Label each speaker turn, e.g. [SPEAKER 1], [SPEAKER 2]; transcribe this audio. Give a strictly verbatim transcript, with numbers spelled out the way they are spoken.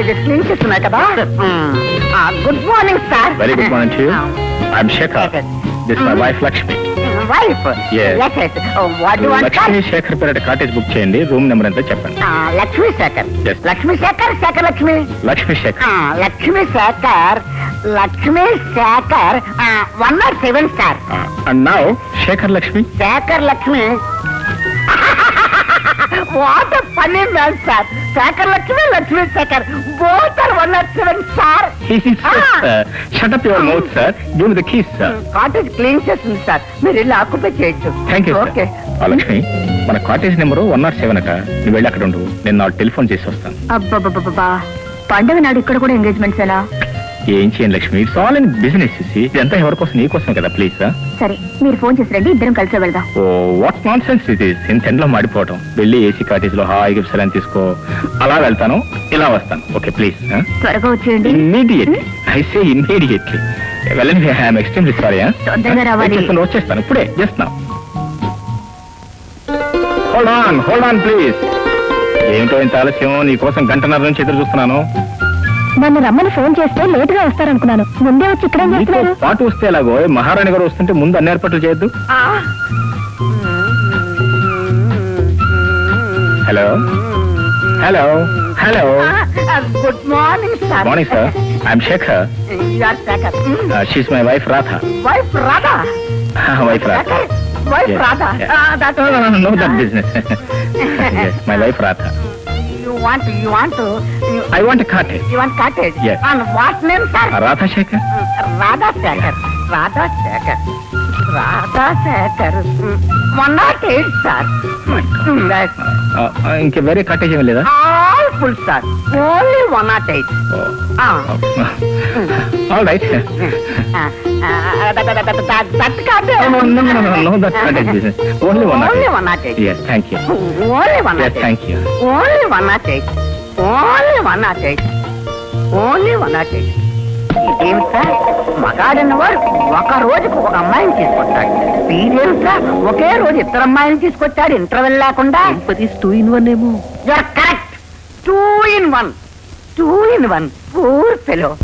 [SPEAKER 1] Cottages clean చేస్తున్నాయి కదా. Good morning sir.
[SPEAKER 2] Very good morning to you. I am Shekhar. This my wife Lakshmi.
[SPEAKER 1] Wife?
[SPEAKER 2] Yes.
[SPEAKER 1] yes yes. What do want?
[SPEAKER 2] Lakshmi Shekhar పేరు cottage book చేయండి. Room number ఎంత చెప్పండి.
[SPEAKER 1] Lakshmi Shekhar.
[SPEAKER 2] Yes.
[SPEAKER 1] Lakshmi Shekhar Shekhar Lakshmi.
[SPEAKER 2] Lakshmi Shekhar.
[SPEAKER 1] Lakshmi Shekhar Lakshmi Shekhar one not seven sir.
[SPEAKER 2] And now Shekhar Lakshmi.
[SPEAKER 1] Shekhar Lakshmi. What a funny man sir. Shekhar Lakshmi Lakshmi Shekhar both are one oh seven sir.
[SPEAKER 2] Shut up your mouth sir. Give me the keys sir.
[SPEAKER 1] Cottage clean చేస్తుంది sir, మీరు వెళ్ళి occupy చేయొచ్చు.
[SPEAKER 2] Thank you.
[SPEAKER 1] Okay
[SPEAKER 2] Lakshmi, మన cottage number one not seven అట. నువ్వు వెళ్ళి అక్కడ ఉండు, నేను నాకు టెలిఫోన్ చేసి వస్తాను.
[SPEAKER 3] అబ్బా పండుగ నాడు ఇక్కడ కూడా ఎంగేజ్మెంట్స్ ఎలా?
[SPEAKER 2] ఏం చేయండి Lakshmi, it's all in business. ఇదంతా ఎవరి కోసం? నీ కోసం కదా. Please sir.
[SPEAKER 3] సరే మీరు ఫోన్ చేసి రండి, ఇద్దరం కలిసి వెళ్దాం.
[SPEAKER 2] Oh what nonsense it is. ఇంత ఎండలో మాడిపోవటం. వెళ్ళి ఏసీ కాటేజ్ లో హాయిగా విశ్రాంతి తీసుకో. అలా వెళ్తాను, ఇలా వస్తాను. Okay please.
[SPEAKER 3] త్వరగా వచ్చేయండి.
[SPEAKER 2] ఇమ్మీడియట్లీ. I say immediately. వెళ్ళండి. I'm extremely sorry.
[SPEAKER 3] తొందరగా రావాలి.
[SPEAKER 2] వచ్చేస్తాను ఇప్పుడే. Just now. Hold on hold on please. ఏమిటో ఇంత ఆలస్యం? నీ కోసం గంటన్నర నుంచి ఎదురు చూస్తున్నాను.
[SPEAKER 3] నన్ను రమ్మని ఫోన్ చేస్తే లేట్ గా వస్తారనుకున్నాను. ముందే వచ్చి ఇక్కడ చేస్తున్నారు.
[SPEAKER 2] పాటు వస్తే ఎలాగో, మహారాణి గారు వస్తుంటే ముందు అన్ని ఏర్పాట్లు చేయొద్దు. Hello hello hello.
[SPEAKER 1] Good morning sir.
[SPEAKER 2] Morning sir. I'm Shekhar.
[SPEAKER 1] Shekhar.
[SPEAKER 2] She's my wife Radha.
[SPEAKER 1] Wife Radha?
[SPEAKER 2] Wife Radha.
[SPEAKER 1] Wife Radha?
[SPEAKER 2] No that business. My wife Radha.
[SPEAKER 1] You want you want to you,
[SPEAKER 2] I want a cottage.
[SPEAKER 1] you want cottage?
[SPEAKER 2] Yes.
[SPEAKER 1] And what name sir?
[SPEAKER 2] Radha Shekhar.
[SPEAKER 1] Radha Shekhar. Radha Shekhar. Radha Shekhar. one not eight sir. Yes.
[SPEAKER 2] ఇంకే వేరే cottage ఏమీ లేదా?
[SPEAKER 1] All full sir. Only one not eight. Ah.
[SPEAKER 2] All right.
[SPEAKER 1] That that cottage.
[SPEAKER 2] No no no no no that cottage business. Only one not eight.
[SPEAKER 1] Only one not eight.
[SPEAKER 2] Yes, thank you.
[SPEAKER 1] Only one not
[SPEAKER 2] Yes,
[SPEAKER 1] eight.
[SPEAKER 2] thank you.
[SPEAKER 1] Only one not eight. Only one not eight. Only one not eight. ఇదేం sir, మగాడన్న వాడు ఒక రోజుకు ఒక అమ్మాయిని తీసుకొస్తాడు. వీడేం sir, ఒకే రోజు ఇద్దరు అమ్మాయిని తీసుకొచ్చాడు ఇంటర్వెల్ లేకుండా.
[SPEAKER 3] టూ ఇన్ వన్ ఏమో.
[SPEAKER 1] You're correct. Two in one. Two in one. Poor fellow.